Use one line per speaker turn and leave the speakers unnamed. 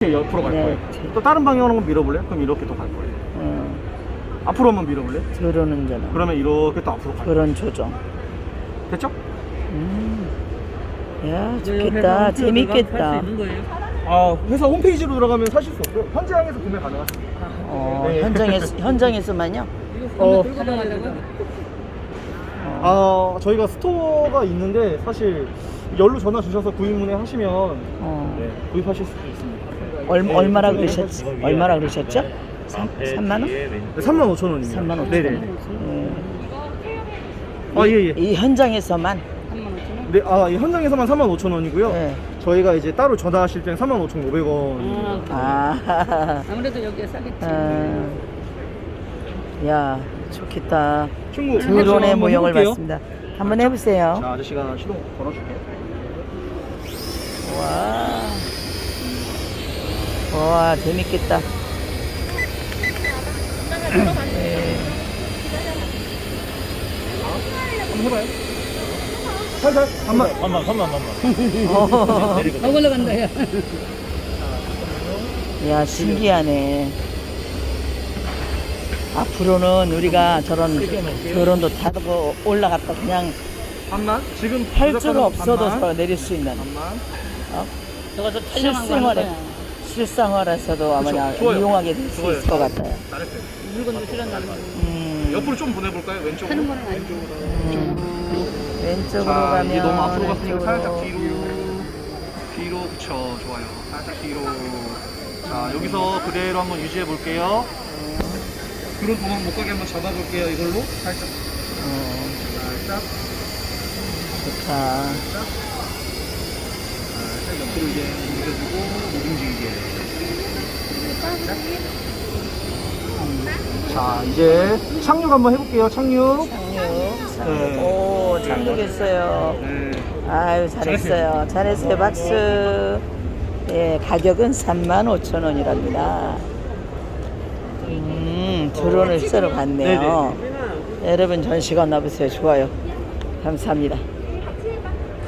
이렇게 옆으로 갈
네.
거예요. 또 다른 방향으로 한번 밀어볼래? 그럼 이렇게 또 갈 거예요. 앞으로 한번 밀어볼래?
들어오는 전화.
그러면 이렇게 또 앞으로 갈 거예요.
그런 조정.
됐죠?
야, 좋겠다. 재밌겠다.
회사 홈페이지로 들어가면 사실 수 없고요. 현장에서 구매 가능하십니다. 네.
현장에서만요?
저희가 스토어가 있는데 사실 열로 전화 주셔서 구입문의 하시면 네, 구입하실 수도 있습니다.
얼마라 그러셨지? 얼마라 그러셨죠? 3만 원?
35,000원입니다.
35,000원.
네네. 예.
이 현장에서만.
네, 이 현장에서만 35,000원이고요.
네.
저희가 이제 따로 전화하실 때는 35,500원.
아무래도 여기가 싸겠지.
야, 좋겠다.
친구,
드론의
한번
모형을
해볼게요.
봤습니다. 한번 해보세요.
자, 아저씨가 시동 걸어줄게요.
와, 재밌겠다.
한번 해봐요. 살살, 반만.
올라간다, 야.
야, 신기하네. 앞으로는 우리가 저런 드론도 타고 올라갔다 그냥
반만? 지금
할 줄 없어도
반만.
저 내릴 수 있는
반만.
저거 좀 촬영한 거
실생활에
하는 거야.
실생활에서도 아마
좋아요.
이용하게 될 수 있을 것 같아요.
잘했어요.
물건도 실현하는 거.
옆으로 좀 보내볼까요? 왼쪽으로.
하는 거는 아니고.
왼쪽으로
자,
가면
이게 너무 앞으로 갔으니까
왼쪽으로.
살짝 뒤로 그쵸, 좋아요. 살짝 뒤로. 자, 여기서 그대로 한번 유지해 볼게요. 드론 도망 못 가게 한번 잡아볼게요. 이걸로 살짝. 살짝.
좋다.
살짝 옆으로 이제 옮겨주고 못 움직이게. 자, 이제 착륙 한번 해볼게요. 착륙. 네.
오, 착륙했어요.
네.
아유, 잘했어요. 잘했어요. 박수. 예, 가격은 35,000원이랍니다. 드론을 쓰러 갔네요. 여러분 전시관 와보세요. 좋아요. 감사합니다.